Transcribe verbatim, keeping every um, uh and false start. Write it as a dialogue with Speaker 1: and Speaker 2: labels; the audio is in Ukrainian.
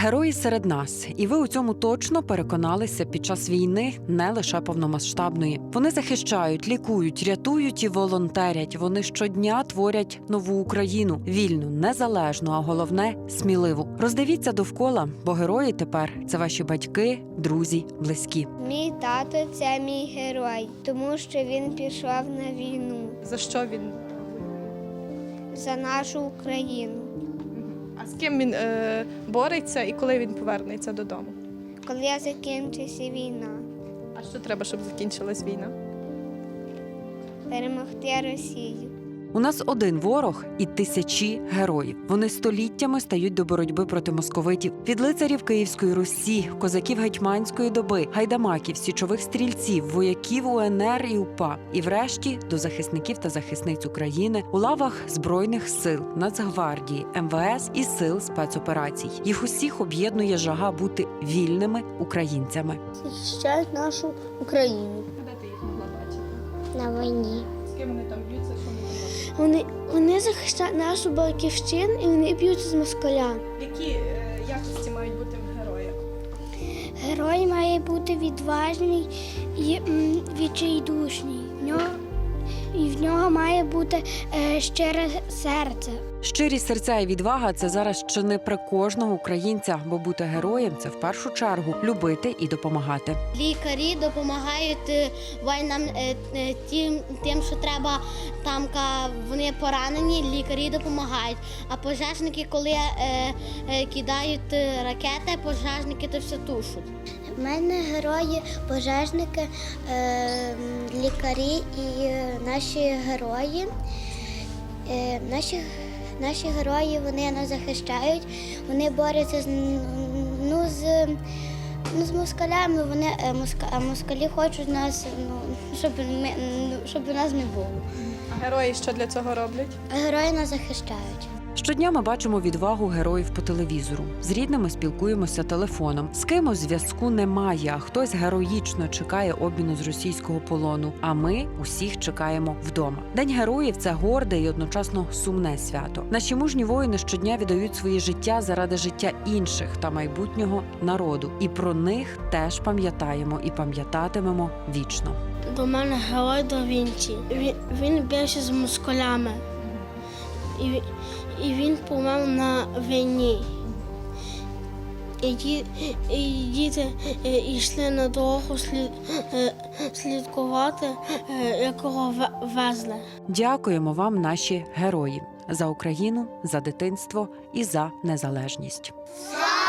Speaker 1: Герої серед нас. І ви у цьому точно переконалися під час війни, не лише повномасштабної. Вони захищають, лікують, рятують і волонтерять. Вони щодня творять нову Україну. Вільну, незалежну, а головне – сміливу. Роздивіться довкола, бо герої тепер – це ваші батьки, друзі, близькі.
Speaker 2: Мій тато – це мій герой, тому що він пішов на війну.
Speaker 3: За що він?
Speaker 2: За нашу Україну.
Speaker 3: А з ким він е, бореться і коли він повернеться додому?
Speaker 2: Коли закінчиться війна,
Speaker 3: А що треба, щоб закінчилась війна?
Speaker 2: перемогти Росію.
Speaker 1: У нас один ворог і тисячі героїв. Вони століттями стають до боротьби проти московитів. Від лицарів Київської Русі, козаків гетьманської доби, гайдамаків, січових стрільців, вояків УНР і УПА. І врешті до захисників та захисниць України у лавах Збройних сил, Нацгвардії, ем ве ес і сил спецоперацій. Їх усіх об'єднує жага бути вільними українцями.
Speaker 2: Захищають нашу Україну.
Speaker 3: Де ти їх могла бачити?
Speaker 2: На війні.
Speaker 3: З ким вони там б'ються, що вони там роблять?
Speaker 2: Вони, вони захищають нашу батьківщину і вони б'ються з москаля.
Speaker 3: Які е, якості мають бути в героя?
Speaker 2: Герой має бути відважний і м, відчайдушний. В нього, і в нього має бути е, щире серце.
Speaker 1: Щирість серця і відвага – це зараз чи не при кожного українця, бо бути героєм – це в першу чергу любити і допомагати.
Speaker 4: Лікарі допомагають е, воїнам е, е, тим, тим, що треба там, ка- вони поранені, лікарі допомагають. А пожежники, коли е, е, кидають е, ракети, пожежники то все тушать.
Speaker 2: У мене герої, пожежники, е, лікарі і е, наші герої. Е, наші, наші герої вони нас захищають, вони борються з, ну, з, ну, з москалями, вони, е, моска, а москалі хочуть нас, ну, щоб, ми, ну, щоб нас не було.
Speaker 3: А герої що для цього роблять?
Speaker 2: А герої нас захищають.
Speaker 1: Щодня ми бачимо відвагу героїв по телевізору. З рідними спілкуємося телефоном. З кимось зв'язку немає, а хтось героїчно чекає обміну з російського полону. А ми усіх чекаємо вдома. День героїв – це горде і одночасно сумне свято. Наші мужні воїни щодня віддають своє життя заради життя інших та майбутнього народу. І про них теж пам'ятаємо і пам'ятатимемо вічно.
Speaker 5: До мене герой Да Вінчі. Він, він бився з москалями. І, він- і він помер на війні. І, ді- і діти е, йшли на дорогу слід, е, слідкувати, е, якого ве- везли.
Speaker 1: Дякуємо вам, наші герої, за Україну, за дитинство і за незалежність.
Speaker 2: Слава